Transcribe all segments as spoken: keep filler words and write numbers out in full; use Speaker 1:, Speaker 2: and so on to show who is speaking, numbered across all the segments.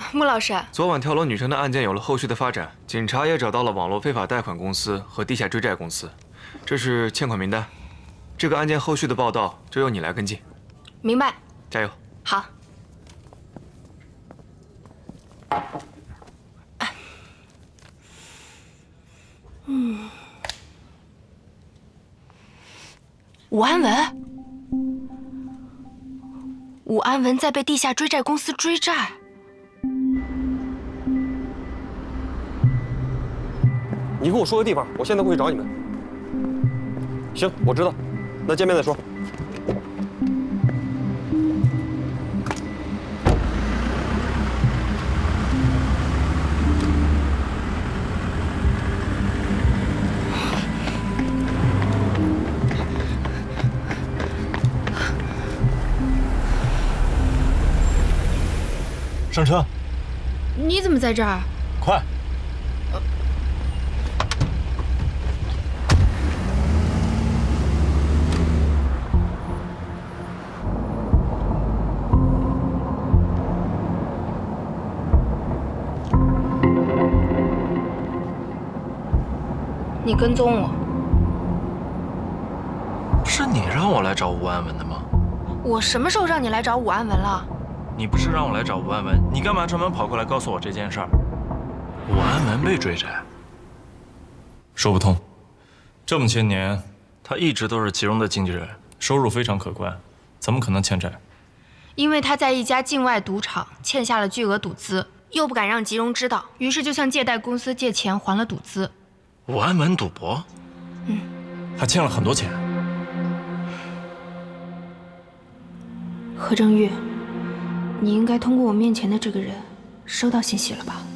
Speaker 1: 穆老师，
Speaker 2: 昨晚跳楼女生的案件有了后续的发展，警察也找到了网络非法贷款公司和地下追债公司，这是欠款名单。这个案件后续的报道就由你来跟进。
Speaker 1: 明白。
Speaker 2: 加油。
Speaker 1: 好。嗯，武安文，武安文在被地下追债公司追债。
Speaker 3: 你跟我说个地方，我现在过去找你们。行，我知道，那见面再说。
Speaker 4: 上车。
Speaker 1: 你怎么在这儿？
Speaker 4: 快！
Speaker 1: 你跟踪我？
Speaker 4: 不是你让我来找吴安文的吗？
Speaker 1: 我什么时候让你来找武安文了？
Speaker 4: 你不是让我来找吴安文，你干嘛专门跑过来告诉我这件事儿？武安文被追债，说不通。这么些年，他一直都是其中的经纪人，收入非常可观，怎么可能欠债？
Speaker 1: 因为他在一家境外赌场欠下了巨额赌资，又不敢让吉荣知道，于是就向借贷公司借钱还了赌资。
Speaker 4: 武安文赌博，
Speaker 1: 嗯，
Speaker 4: 他欠了很多钱。
Speaker 1: 何正玉，你应该通过我面前的这个人收到信息了吧？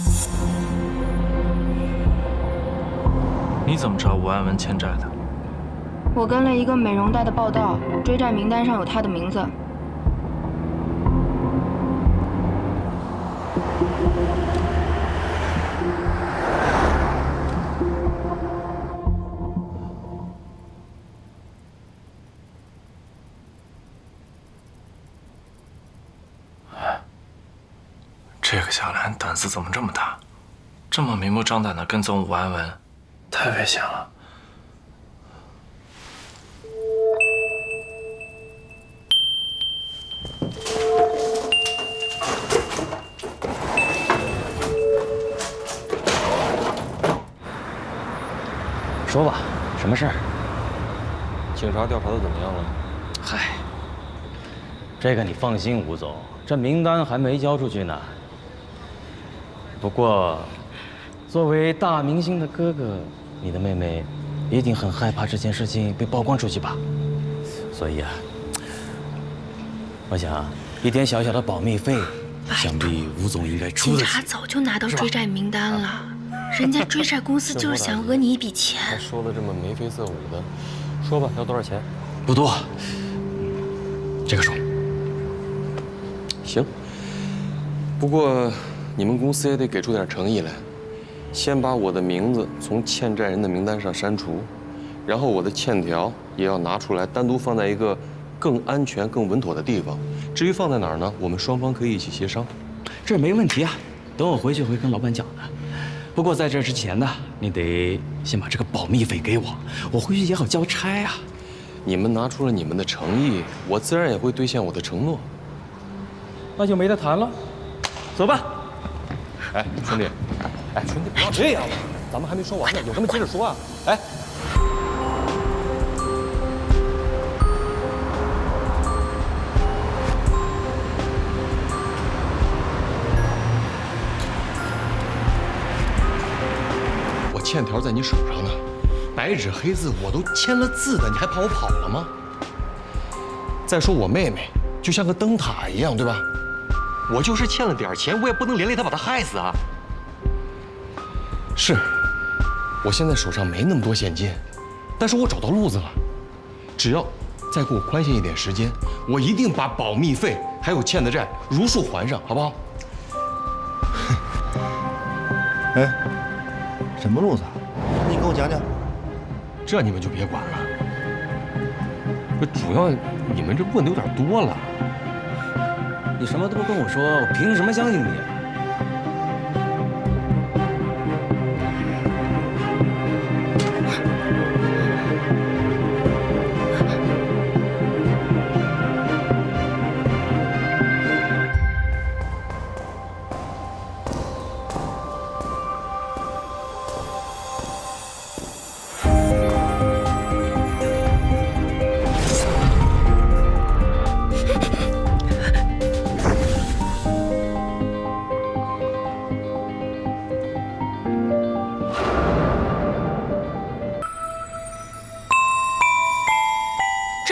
Speaker 4: 你怎么知道吴安文欠债的？
Speaker 1: 我跟了一个美容贷的报道，追债名单上有他的名字。
Speaker 4: 这个小兰胆子怎么这么大？这么明目张胆的跟踪武安文，太危险了。
Speaker 5: 说吧，什么事儿？
Speaker 3: 警察调查的怎么样了？
Speaker 5: 嗨，这个你放心，吴总，这名单还没交出去呢。 不过，作为大明星的哥哥，你的妹妹一定很害怕这件事情被曝光出去吧？所以啊，我想一点小小的保密费，想必吴总应该出得起。
Speaker 1: 警察早就拿到追债名单了，人家追债公司就是想讹你一笔钱。
Speaker 3: 还说的这么眉飞色舞的，说吧，要多少钱？
Speaker 5: 不多，这个数。
Speaker 3: 行。不过。 你们公司也得给出点诚意来，先把我的名字从欠债人的名单上删除，然后我的欠条也要拿出来，单独放在一个更安全、更稳妥的地方。至于放在哪儿呢？我们双方可以一起协商。
Speaker 5: 这没问题啊，等我回去会跟老板讲的。不过在这之前呢，你得先把这个保密费给我，我回去也好交差啊。
Speaker 3: 你们拿出了你们的诚意，我自然也会兑现我的承诺。
Speaker 5: 那就没得谈了，走吧。
Speaker 3: 哎，兄弟，哎，兄弟，不要这样了，咱们还没说完呢，有什么接着说啊！哎，我欠条在你手上呢，白纸黑字，我都签了字的，你还怕我跑了吗？再说我妹妹就像个灯塔一样，对吧？ 我就是欠了点钱，我也不能连累他把他害死啊！是，我现在手上没那么多现金，但是我找到路子了。只要再给我宽限一点时间，我一定把保密费还有欠的债如数还上，好不好？
Speaker 6: 哎，什么路子？你给我讲讲。
Speaker 3: 这你们就别管了。这主要你们这问的有点多了。
Speaker 5: 你什么都不跟我说，我凭什么相信你？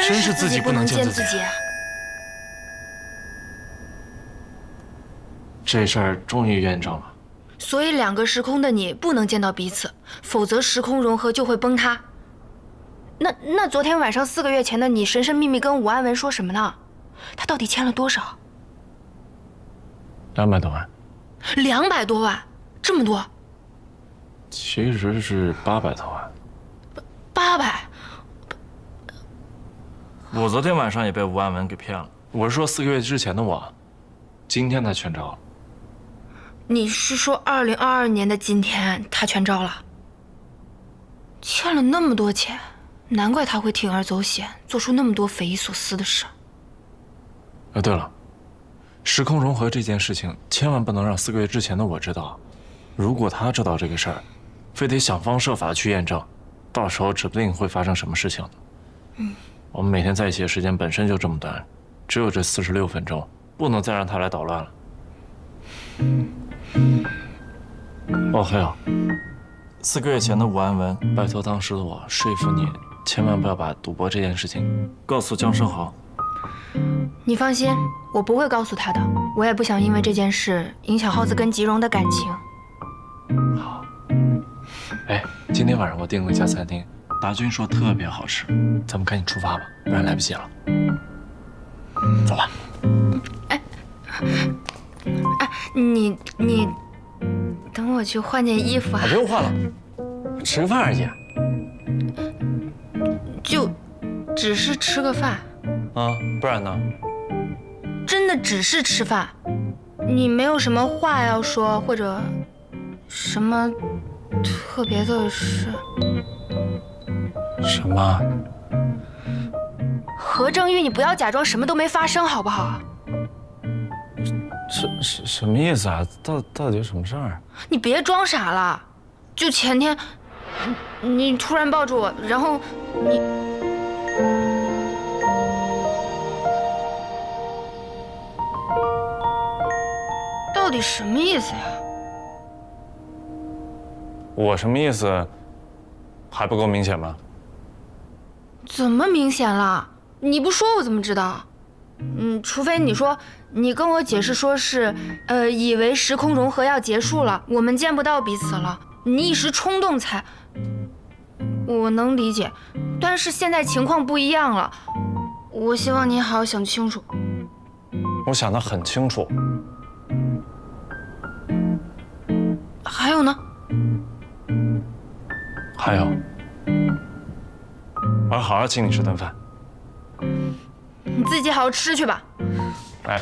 Speaker 4: 真是自己不能见自己。这事儿终于验证了。
Speaker 1: 所以两个时空的你不能见到彼此，否则时空融合就会崩塌。那那昨天晚上四个月前的你神神秘秘跟武安文说什么呢？他到底欠了多少？
Speaker 4: 两百多万。
Speaker 1: 两百多万，这么多？
Speaker 4: 其实是八百多万。
Speaker 1: 八百？
Speaker 4: 我昨天晚上也被吴安文给骗了。我是说四个月之前的我，今天他全招了。
Speaker 1: 你是说二零二二年的今天他全招了？欠了那么多钱，难怪他会铤而走险，做出那么多匪夷所思的事。
Speaker 4: 啊，对了，时空融合这件事情千万不能让四个月之前的我知道。如果他知道这个事儿，非得想方设法去验证，到时候指不定会发生什么事情的。
Speaker 1: 嗯，
Speaker 4: 我们每天在一起的时间本身就这么短，只有这四十六分钟，不能再让他来捣乱了。哦，还有，四个月前的武安文，拜托当时的我说服你，千万不要把赌博这件事情告诉江生豪。
Speaker 1: 你放心，我不会告诉他的。我也不想因为这件事影响浩子跟吉荣的感情。
Speaker 4: 好。哎，今天晚上我订了一家餐厅，达军说特别好吃，咱们赶紧出发吧，不然来不及了。走吧。
Speaker 1: 哎，哎，你你等我去换件衣服啊。
Speaker 4: 不用换了，吃个饭而已。
Speaker 1: 就只是吃个饭。
Speaker 4: 啊，不然呢？
Speaker 1: 真的只是吃饭？你没有什么话要说，或者什么特别的事？
Speaker 4: 什么？
Speaker 1: 何正玉，你不要假装什么都没发生，好不好？
Speaker 4: 什什什么意思啊？到到底有什么事儿？
Speaker 1: 你别装傻了。就前天，你你突然抱住我，然后你。到底什么意思呀？
Speaker 4: 我什么意思？还不够明显吗？
Speaker 1: 怎么明显了？你不说我怎么知道？嗯，除非你说你跟我解释说是，呃，以为时空融合要结束了，我们见不到彼此了，你一时冲动才……我能理解，但是现在情况不一样了，我希望你好好想清楚。
Speaker 4: 我想得很清楚。
Speaker 1: 还有呢？
Speaker 4: 还有，我要好好请你吃顿饭。
Speaker 1: 你自己好好吃去吧。
Speaker 4: 哎。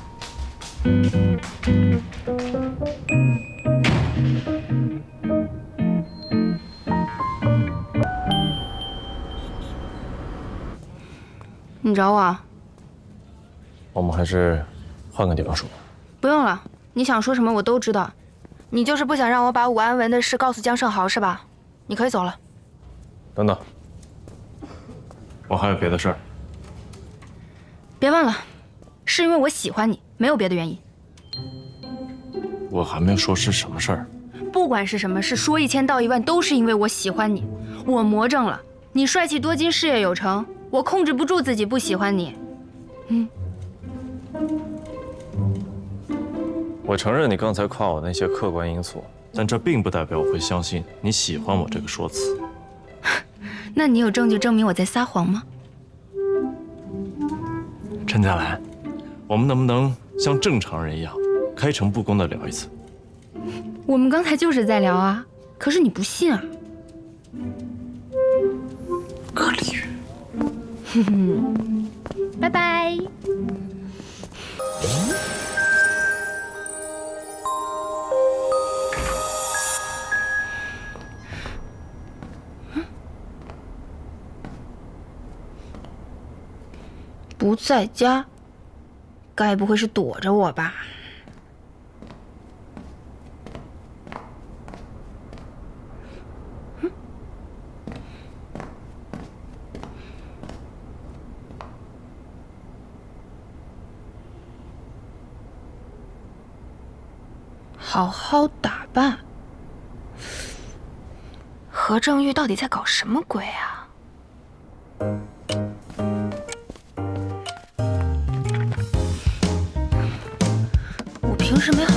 Speaker 1: 你找我啊？
Speaker 4: 我们还是换个地方说吧。
Speaker 1: 不用了，你想说什么我都知道。你就是不想让我把武安文的事告诉江胜豪是吧？你可以走了。
Speaker 4: 等等，我还有别的事儿。
Speaker 1: 别忘了，是因为我喜欢你，没有别的原因。
Speaker 4: 我还没有说是什么事儿。
Speaker 1: 不管是什么事，说一千道一万，都是因为我喜欢你。我魔怔了，你帅气多金，事业有成，我控制不住自己不喜欢你。嗯。
Speaker 4: 我承认你刚才夸我那些客观因素，但这并不代表我会相信你喜欢我这个说辞。
Speaker 1: 那你有证据证明我在撒谎吗？
Speaker 4: 陈佳兰，我们能不能像正常人一样，开诚布公地聊一次？
Speaker 1: 我们刚才就是在聊啊，可是你不信啊。
Speaker 4: 可理喻。
Speaker 1: 哼哼，拜拜。不在家，该不会是躲着我吧？嗯，好好打扮。何正玉到底在搞什么鬼啊？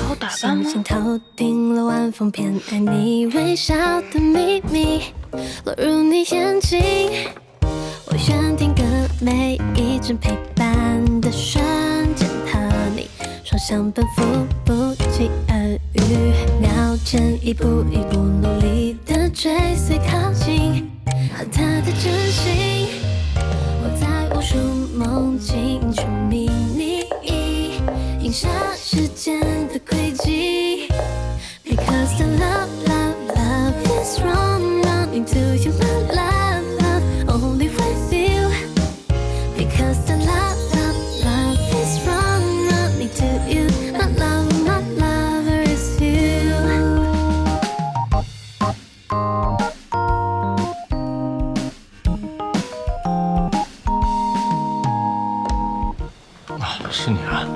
Speaker 1: 好打扮吗？
Speaker 7: 星星头顶了晚风片，爱你微笑的秘密落入你眼睛。我选定格每一帧陪伴的瞬间，和你双向奔赴，不期而遇。秒针一步一步努力的追随靠近，和他的真心，我在无数梦境去迷你，映射时间的轨迹。Because the love, love, love is wrong, running to you, my love, love, only with you. Because the love, love, love is wrong, running to you, my love, my lover is you.
Speaker 4: 啊，是你啊！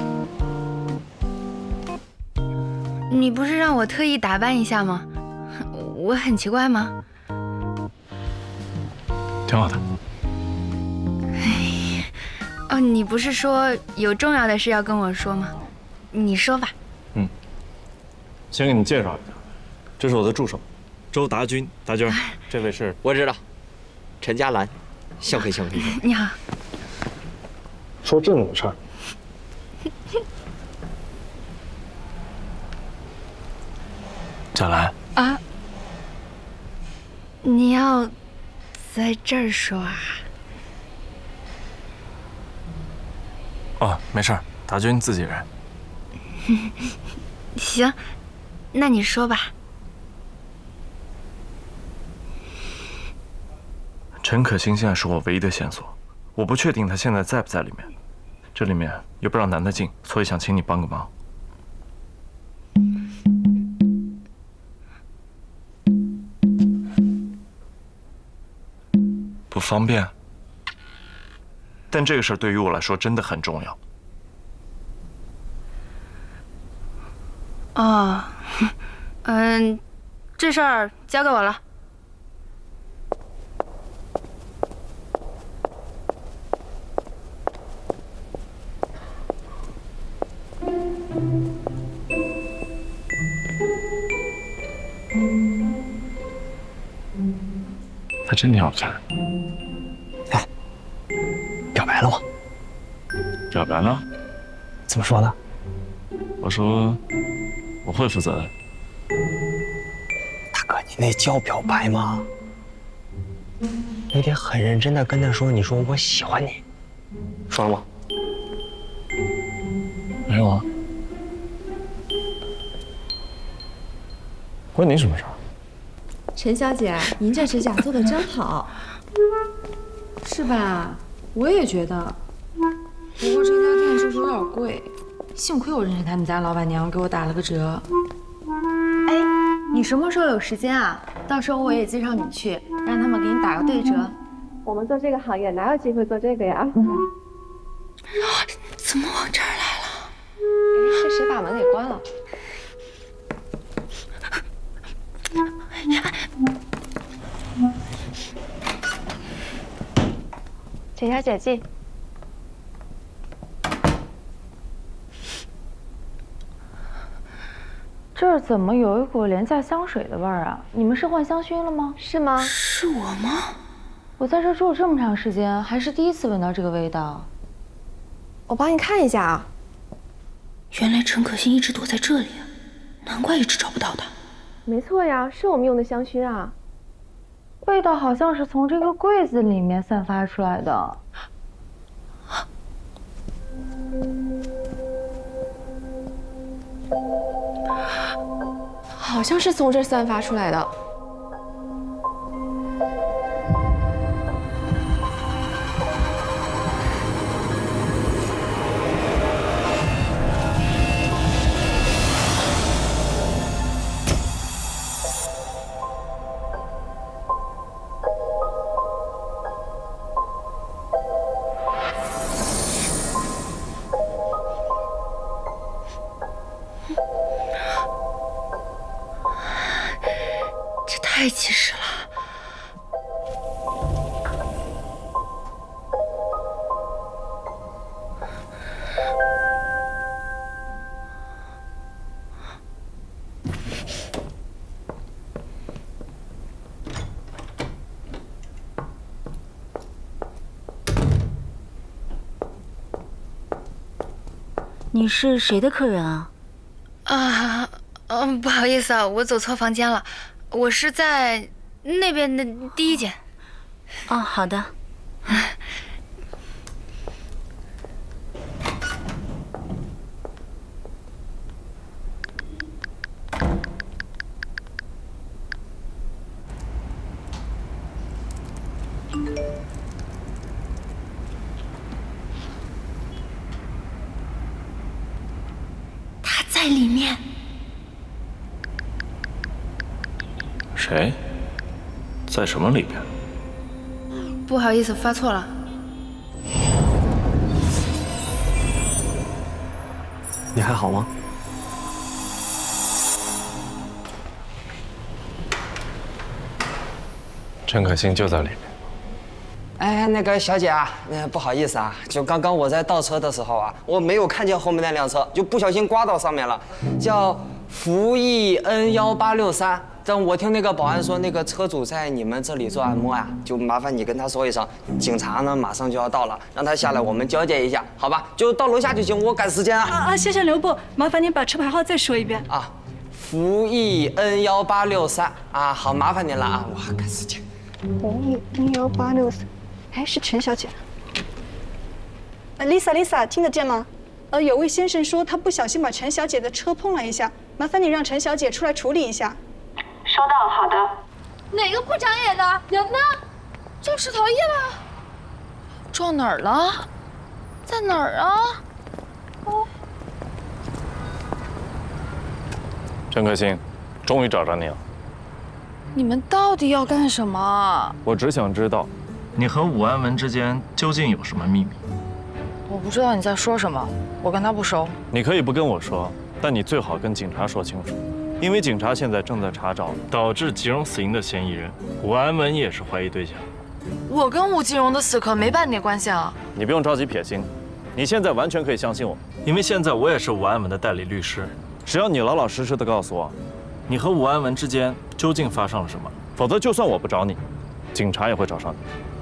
Speaker 1: 你不是让我特意打扮一下吗？我很奇怪吗？
Speaker 4: 挺好的。
Speaker 1: 哦，你不是说有重要的事要跟我说吗？你说吧。
Speaker 4: 嗯，先给你介绍一下，这是我的助手，周达军，达军，这位是
Speaker 8: 我知道，陈嘉兰，幸会幸会。
Speaker 1: 你好。
Speaker 4: 说正经事儿。贾兰
Speaker 1: 啊，你要在这儿说啊？
Speaker 4: 哦，没事儿，达军自己人。
Speaker 1: 行，那你说吧。
Speaker 4: 陈可辛现在是我唯一的线索，我不确定他现在在不在里面，这里面又不让男的进，所以想请你帮个忙。不方便，但这个事儿对于我来说真的很重要。
Speaker 1: 哦，嗯，这事儿交给我了。
Speaker 4: 她真挺好看。
Speaker 8: 哎，表白了吗？
Speaker 4: 表白了？
Speaker 8: 怎么说的？
Speaker 4: 我说我会负责的。
Speaker 8: 大哥，你那叫表白吗？你得很认真的跟他说，你说我喜欢你，说了吗？
Speaker 4: 没有啊。关你什么事儿？
Speaker 9: 陈小姐，您这指甲做的真好，是吧？我也觉得。不过这家店就是有点贵，幸亏我认识他们家老板娘，给我打了个折。
Speaker 10: 哎，你什么时候有时间啊？到时候我也介绍你去，让他们给你打个对折。
Speaker 9: 我们做这个行业哪有机会做这个呀？
Speaker 1: 怎么往这儿来了？
Speaker 9: 哎，是谁把门给关了？陈小姐进。
Speaker 10: 这儿怎么有一股廉价香水的味儿啊？你们是换香薰了吗？
Speaker 9: 是吗？
Speaker 1: 是我吗？
Speaker 10: 我在这住了这么长时间，还是第一次闻到这个味道。
Speaker 9: 我帮你看一下啊。
Speaker 1: 原来陈可辛一直躲在这里，难怪一直找不到他。
Speaker 9: 没错呀，是我们用的香薰啊。
Speaker 10: 味道好像是从这个柜子里面散发出来的。
Speaker 9: 好像是从这儿散发出来的。
Speaker 1: 这太气势了。
Speaker 11: 你是谁的客人啊？
Speaker 1: 啊，嗯，不好意思啊，我走错房间了，我是在那边的第一间。
Speaker 11: 哦，好的。
Speaker 1: 他在里面。
Speaker 4: 谁？在什么里边？
Speaker 1: 不好意思，发错了。
Speaker 8: 你还好吗？
Speaker 3: 陈可辛就在里面。
Speaker 12: 哎，那个小姐啊，那不好意思啊，就刚刚我在倒车的时候啊，我没有看见后面那辆车，就不小心刮到上面了，叫福益 N 幺八六三。但我听那个保安说，那个车主在你们这里做按摩呀，就麻烦你跟他说一声，警察呢马上就要到了，让他下来，我们交接一下，好吧？就到楼下就行，我赶时间啊。
Speaker 13: 啊啊，先生留步，麻烦您把车牌号再说一遍
Speaker 12: 啊。福益 N 幺八六三啊，好，麻烦您了啊，我赶时间。
Speaker 13: 福益 N 幺八六三，哎，是陈小姐。呃 ，Lisa Lisa， 听得见吗？呃，有位先生说他不小心把陈小姐的车碰了一下，麻烦你让陈小姐出来处理一下。
Speaker 10: 收到，好的。
Speaker 1: 哪个不长眼的人呢？肇事逃逸了？撞哪儿了？在哪儿啊？哦，
Speaker 4: 陈可辛，终于找着你了。
Speaker 1: 你们到底要干什么？
Speaker 4: 我只想知道，你和武安文之间究竟有什么秘密？
Speaker 9: 我不知道你在说什么，我跟他不熟。
Speaker 4: 你可以不跟我说，但你最好跟警察说清楚。因为警察现在正在查找导致吉荣死因的嫌疑人，武安文也是怀疑对象。
Speaker 9: 我跟武吉荣的死可没半点关系啊！
Speaker 4: 你不用着急撇清，你现在完全可以相信我，因为现在我也是武安文的代理律师。只要你老老实实的告诉我，你和武安文之间究竟发生了什么，否则就算我不找你，警察也会找上你。